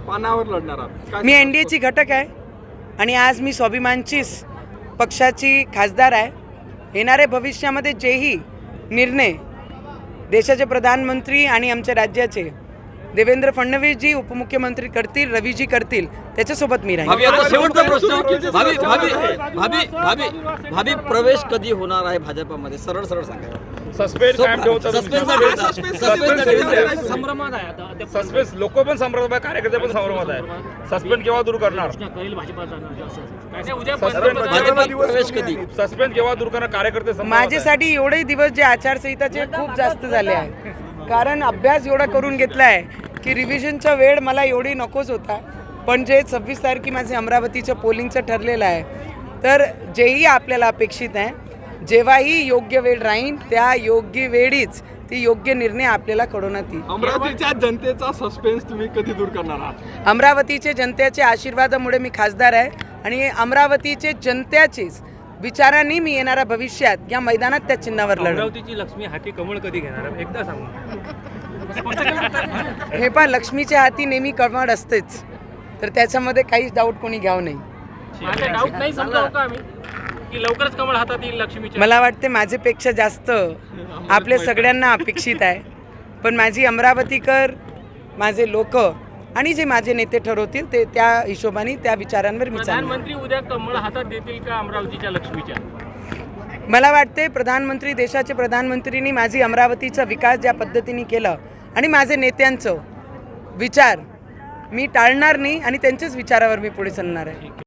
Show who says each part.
Speaker 1: पानावर लढणार आहात?
Speaker 2: मी एनडीएची घटक आहे आणि आज मी स्वाभिमानचीच पक्षाची खासदार आहे. येणाऱ्या भविष्यामध्ये जेही निर्णय देशाचे प्रधानमंत्री आणि आमच्या राज्याचे देवेंद्र फडणवीसजी उपमुख्यमंत्री करतील, रवीजी करतील, त्याच्यासोबत मी राहील.
Speaker 3: भाभी, आता शेवटचा प्रश्न. भाभी प्रवेश कधी होणार आहे भाजपामध्ये? सरळ सांगा.
Speaker 4: सस्पेन्स कायम ठेवतात.
Speaker 5: संभ्रमात आहे आता.
Speaker 4: सस्पेन्स लोक पण संभ्रमात आहे, कार्यकर्ते पण संभ्रमात आहे. सस्पेन्स केव्हा दूर करणार?
Speaker 3: प्रवेश कधी?
Speaker 4: सस्पेन्स केव्हा दूर करणार? कार्यकर्ते संभ्रमात आहे.
Speaker 2: माझ्यासाठी एवढे दिवस जे आचारसंहिताचे खूप जास्त झाले आहे, कारण अभ्यास एवढा करून घेतला आहे की रिव्हिजनचा वेळ मला एवढी नकोच होता. पण जे 26 तारखे माझे अमरावतीचं पोलिंगचं ठरलेलं आहे, तर जेही आपल्याला अपेक्षित आहे, जेव्हाही योग्य वेळ राहील त्या योग्य वेळीच ती योग्य निर्णय आपल्याला कळवण्यात येईल.
Speaker 1: अमरावतीच्या जनतेचा सस्पेन्स तुम्ही कधी दूर करणार आहात?
Speaker 2: अमरावतीचे जनतेच्या आशीर्वादामुळे मी खासदार आहे आणि अमरावतीचे जनतेचेच विचारांनी मी येणाऱ्या भविष्यात या मैदानात त्या चिन्हावर लढणार.
Speaker 5: अमरावतीची लक्ष्मी हाती कमळ कधी घेणार एकदा सांगा.
Speaker 2: हे पण लक्ष्मीच्या हाती नेहमी कमळ असतेच, तर त्याच्यामध्ये काहीच डाऊट कोणी घ्यावं नाही.
Speaker 5: माझा डाऊट नाही समजावं का आम्ही की लवकरच कमळ हातात येईल लक्ष्मीच्या?
Speaker 2: मला वाटते माझ्यापेक्षा जास्त आपल्या सगळ्यांना अपेक्षित आहे. पण माझी अमरावतीकर, माझे लोक आणि जे माझे नेते ठरवतील ते त्या हिशोबाने त्या विचारांवर मी चालणार.
Speaker 5: प्रधानमंत्री उद्या कमळ हातात देतील का अमरावतीच्या लक्ष्मीच्या?
Speaker 2: मला वाटते प्रधानमंत्री, देशाचे प्रधानमंत्रींनी माझी अमरावतीचा विकास ज्या पद्धतीने केला आणि माझे नेत्यांचं विचार मी टाळणार नाही आणि त्यांच्याच विचारावर मी पुढे चालणार आहे.